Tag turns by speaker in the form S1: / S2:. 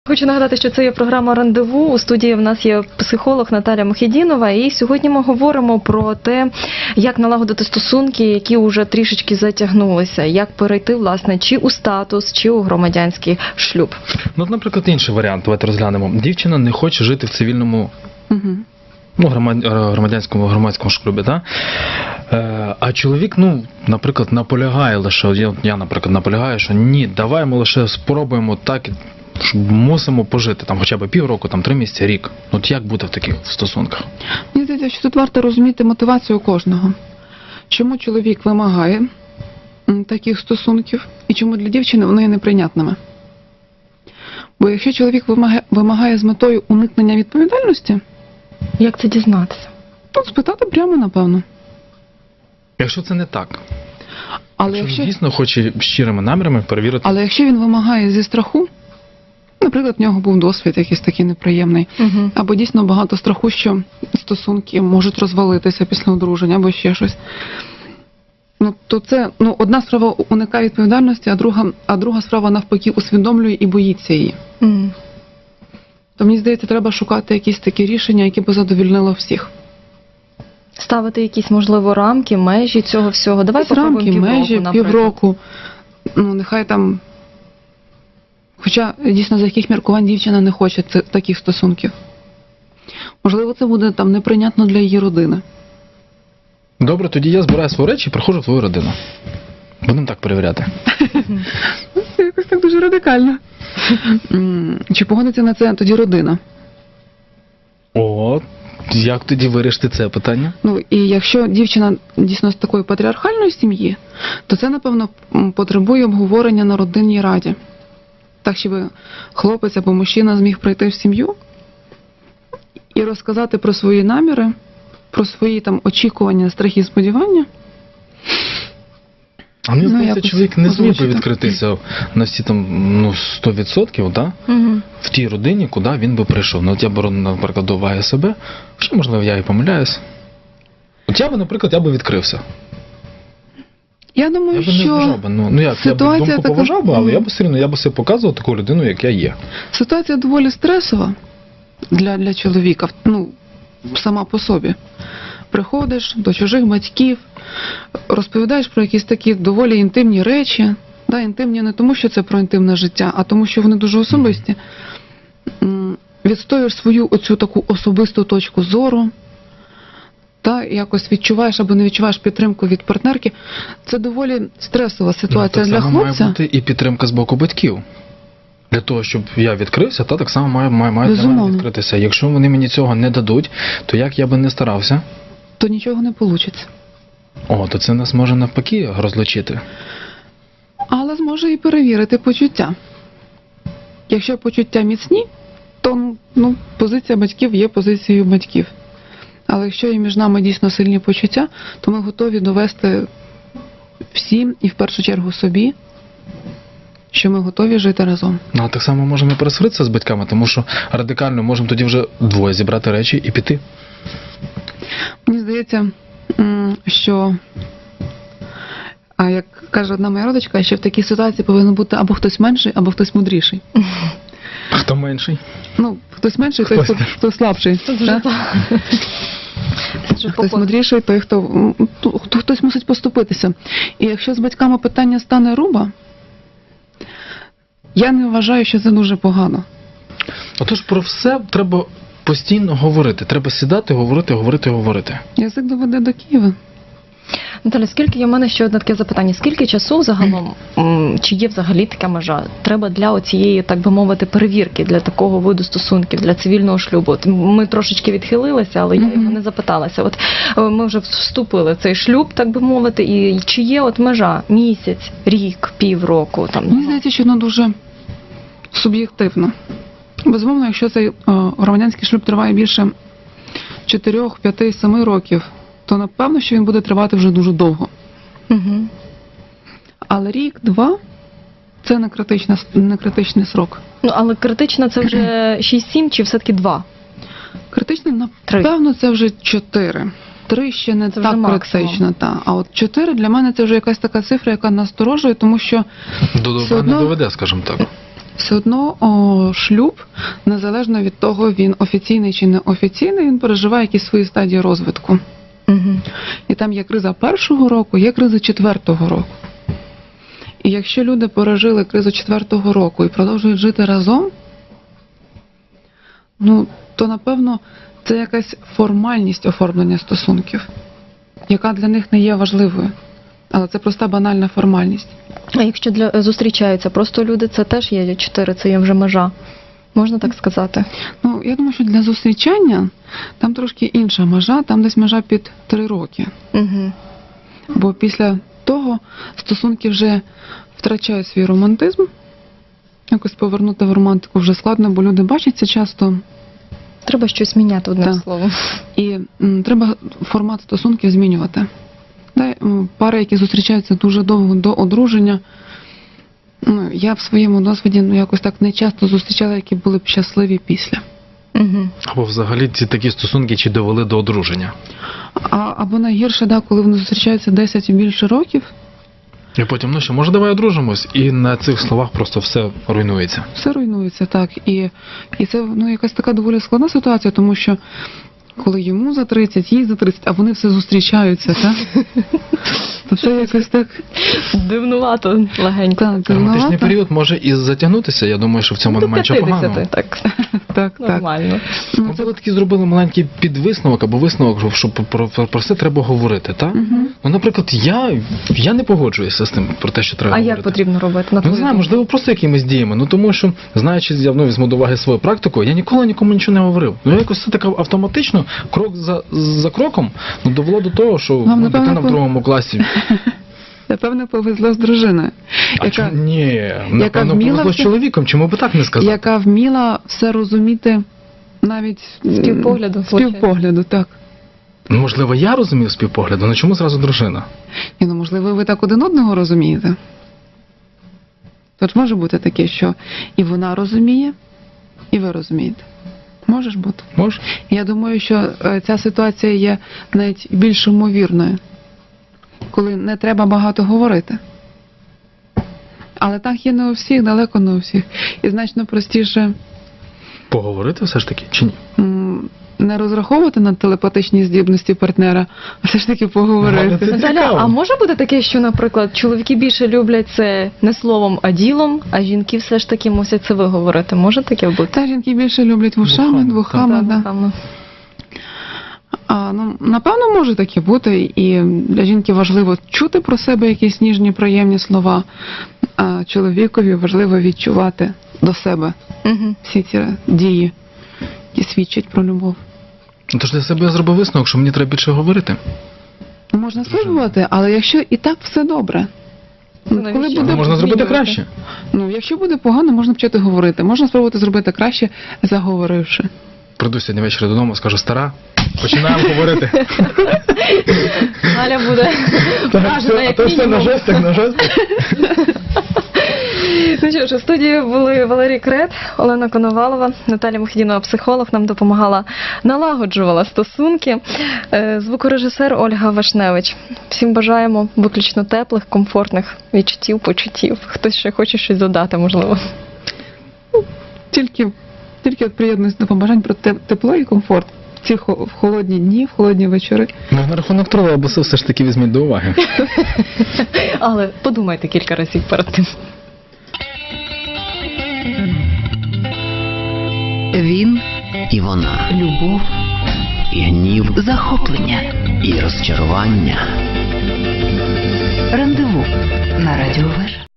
S1: Хочу нагадати, що це є програма «Рандеву». У студії в нас є психолог Наталя Мухідінова. І сьогодні ми говоримо про те, як налагодити стосунки, які вже трішечки затягнулися. Як перейти, власне, чи у статус, чи у громадянський шлюб.
S2: Ну, наприклад, інший варіант. Давайте розглянемо. Дівчина не хоче жити в цивільному, громадському шлюбі, так? А чоловік, наприклад, наполягає лише, я, наприклад, наполягаю, що ні, давай ми лише спробуємо так, мусимо пожити, там, хоча б півроку, там, 3 місяці, рік. От як бути в таких стосунках?
S3: Мені здається, що тут варто розуміти мотивацію кожного. Чому чоловік вимагає таких стосунків і чому для дівчини вони є неприйнятними. Бо якщо чоловік вимагає з метою уникнення відповідальності,
S1: як це дізнатися?
S3: то спитати прямо, напевно.
S2: Якщо це не так.
S3: Але
S2: якщо дійсно хоче щирими намірами перевірити.
S3: Але якщо він вимагає зі страху, наприклад, в нього був досвід якийсь такий неприємний, або дійсно багато страху, що стосунки можуть розвалитися після одруження, або ще щось, то це, одна справа уникає відповідальності, а друга справа навпаки усвідомлює і боїться її. То мені здається, треба шукати якісь такі рішення, які б задовольнило всіх.
S1: Ставити якісь, можливо, рамки, межі цього всього. Давай попробуємо
S3: півроку. Нехай там... Хоча, дійсно, за яких міркувань дівчина не хоче таких стосунків. Можливо, це буде там неприйнятно для її родини.
S2: Добре, тоді я збираю свої речі і приходжу в твою родину. Будемо так перевіряти.
S3: Це якось так дуже радикально. Чи погодиться на це тоді родина?
S2: Як тоді вирішити це питання?
S3: І якщо дівчина дійсно з такої патріархальної сім'ї, то це, напевно, потребує обговорення на родинній раді. Так, щоб хлопець або мужчина зміг прийти в сім'ю і розказати про свої наміри, про свої там очікування, страхи і сподівання.
S2: А мені здається, чоловік не зміг би відкритися на всі там 100%, да? В тій родині, куди він би прийшов. Я беру, наприклад, до уваги себе, що, можливо, я і помиляюсь. Я би відкрився.
S3: Я думаю, що
S2: я б думку поважав би, але я б все одно, я б себе показував таку людину, як я є.
S3: Ситуація доволі стресова для чоловіка, сама по собі. Приходиш до чужих батьків, розповідаєш про якісь такі доволі інтимні речі. Інтимні не тому, що це про інтимне життя, а тому, що вони дуже особисті. Відстоюєш свою оцю таку особисту точку зору. Якось відчуваєш або не відчуваєш підтримку від партнерки. Це доволі стресова ситуація для хлопця.
S2: Так само має бути і підтримка з боку батьків. Для того, щоб я відкрився, так само має для мене відкритися. Якщо вони мені цього не дадуть, то як я би не старався,
S3: то нічого не вийде.
S2: То це нас може навпаки розлучити.
S3: Але зможе і перевірити почуття. Якщо почуття міцні, то позиція батьків є позицією батьків. Але якщо є між нами дійсно сильні почуття, то ми готові довести всім, і в першу чергу собі, що ми готові жити разом.
S2: Так само можемо і пересваритися з батьками, тому що радикально можемо тоді вже двоє зібрати речі і піти.
S3: Мені здається, що, як каже одна моя родичка, що в такій ситуації повинен бути або хтось менший, або хтось мудріший.
S2: Хто менший?
S3: Хтось менший, той, хто слабший. Хтось мудріший, той, хтось мусить поступитися. І якщо з батьками питання стане руба, я не вважаю, що це дуже погано.
S2: Отож, про все треба постійно говорити. Треба сідати, говорити.
S3: Язик доведе до Києва.
S1: Наталя, в мене ще одне таке запитання. Скільки часу загалом, чи є взагалі така межа, треба для оцієї, так би мовити, перевірки, для такого виду стосунків, для цивільного шлюбу? Ми трошечки відхилилися, але я його не запиталася. Ми вже вступили в цей шлюб, так би мовити, і чи є межа місяць, рік, півроку?
S3: Мені здається, що воно дуже суб'єктивно. Безумовно, якщо цей громадянський шлюб триває більше 4, 5, 7 років, то напевно, що він буде тривати вже дуже довго. Але рік-два – це не критичний срок.
S1: Але критично це вже 6-7 чи все-таки 2?
S3: Критично, напевно, це вже 4. 3 ще не так критично. А от 4 для мене це вже якась така цифра, яка насторожує, тому що...
S2: Не доведе, скажімо так.
S3: Все одно шлюб, незалежно від того, він офіційний чи неофіційний, він переживає якісь свої стадії розвитку.
S1: Угу.
S3: І там є криза першого року, є криза четвертого року. І якщо люди пережили кризу четвертого року і продовжують жити разом, то, напевно, це якась формальність оформлення стосунків, яка для них не є важливою. Але це проста банальна формальність.
S1: А якщо зустрічаються просто люди, це теж є 4, це є вже межа. Можна так сказати?
S3: Я думаю, що для зустрічання там трошки інша межа, там десь межа під 3 роки.
S1: Угу.
S3: Бо після того стосунки вже втрачають свій романтизм. Якось повернути в романтику вже складно, бо люди бачаться часто.
S1: Треба щось міняти, одним
S3: Так.
S1: словом.
S3: І треба формат стосунків змінювати. Пари, які зустрічаються дуже довго до одруження, я в своєму досвіді якось так не часто зустрічала, які були б щасливі після.
S1: Угу.
S2: Або взагалі ці такі стосунки чи довели до одруження.
S3: Або найгірше, коли вони зустрічаються 10 і більше років,
S2: І потім, що, може, давай одружимось, і на цих словах просто все руйнується.
S3: все руйнується, так. І це якась така доволі складна ситуація, тому що коли йому за 30, їй за 30, а вони все зустрічаються, так? То це якось так...
S1: Дивнувато легенько.
S3: Так,
S2: Романтичний
S3: дивнувато.
S2: період може і затягнутися, я думаю, що в цьому немає нічого поганого.
S1: 50, так.
S3: Так.
S1: Нормально.
S2: Можливо, такий зробили маленький підвисновок або висновок, що про все треба говорити, так?
S3: Мгм.
S2: Наприклад, я не погоджуюся з тим про те, що треба
S1: А
S2: говорити.
S1: як потрібно робити? На
S2: Не
S1: твою
S2: знаю,
S1: думку?
S2: можливо, просто якимись діями. Тому що, знаючи, я візьму до уваги свою практику, я ніколи нікому нічого не говорив. Якось все так автоматично, крок за кроком, довело до того, що
S3: Вам, напевно,
S2: дитина в 2 класі.
S3: Напевно, повезло з дружиною,
S2: Ні, напевно,
S3: вміла
S2: повезло з
S3: все-
S2: чоловіком, чому би так не сказати?
S3: яка вміла все розуміти навіть
S1: З півпогляду,
S3: з півпогляду, так.
S2: Можливо, я розумів з півпогляду, але чому зразу дружина?
S3: Можливо, ви так один одного розумієте. Тож може бути таке, що і вона розуміє, і ви розумієте. Може ж бути.
S2: Може?
S3: Я думаю, що ця ситуація є навіть більш ймовірною, коли не треба багато говорити. Але так є не у всіх, далеко не у всіх. І значно простіше
S2: Поговорити все ж таки, чи ні?
S3: не розраховувати на телепатичні здібності партнера, а все ж таки поговорити.
S2: Це
S1: Наталя,
S2: цікаво.
S1: а може бути таке, що, наприклад, чоловіки більше люблять це не словом, а ділом, а жінки все ж таки мусять це виговорити? Може таке бути?
S3: Та жінки більше люблять вушами, двухами.
S1: Так,
S3: Да.
S1: напевно.
S3: Напевно, може таке бути, і для жінки важливо чути про себе якісь ніжні, приємні слова, а чоловікові важливо відчувати до себе
S1: Угу.
S3: всі ці дії, які свідчать про любов.
S2: Тож для себе я зробив висновок, що мені треба більше говорити.
S3: Можна спробувати, але якщо і так все добре,
S1: навіщо?
S2: Але можна зробити
S3: змінювати?
S2: краще.
S3: Якщо буде погано, можна почати говорити. Можна спробувати зробити краще, заговоривши.
S2: Прийду сьогодні ввечері додому, скажу: стара, починаємо говорити.
S1: Галя буде вражена, як мінімум.
S2: на жестах.
S1: Ну що ж, у студії були Валерій Крет, Олена Коновалова, Наталя Мухідінова, психолог, нам допомагала, налагоджувала стосунки, звукорежисер Ольга Вашневич. Всім бажаємо виключно теплих, комфортних відчуттів, почуттів. Хтось ще хоче щось додати, можливо.
S3: Тільки от приєднуюсь до побажань про тепло і комфорт в ці в холодні дні, в холодні вечори.
S2: На рахунок тролейбусу все ж таки візьміть до уваги.
S1: Але подумайте кілька разів перед тим.
S4: Він і вона.
S3: Любов.
S4: І гнів, захоплення і розчарування.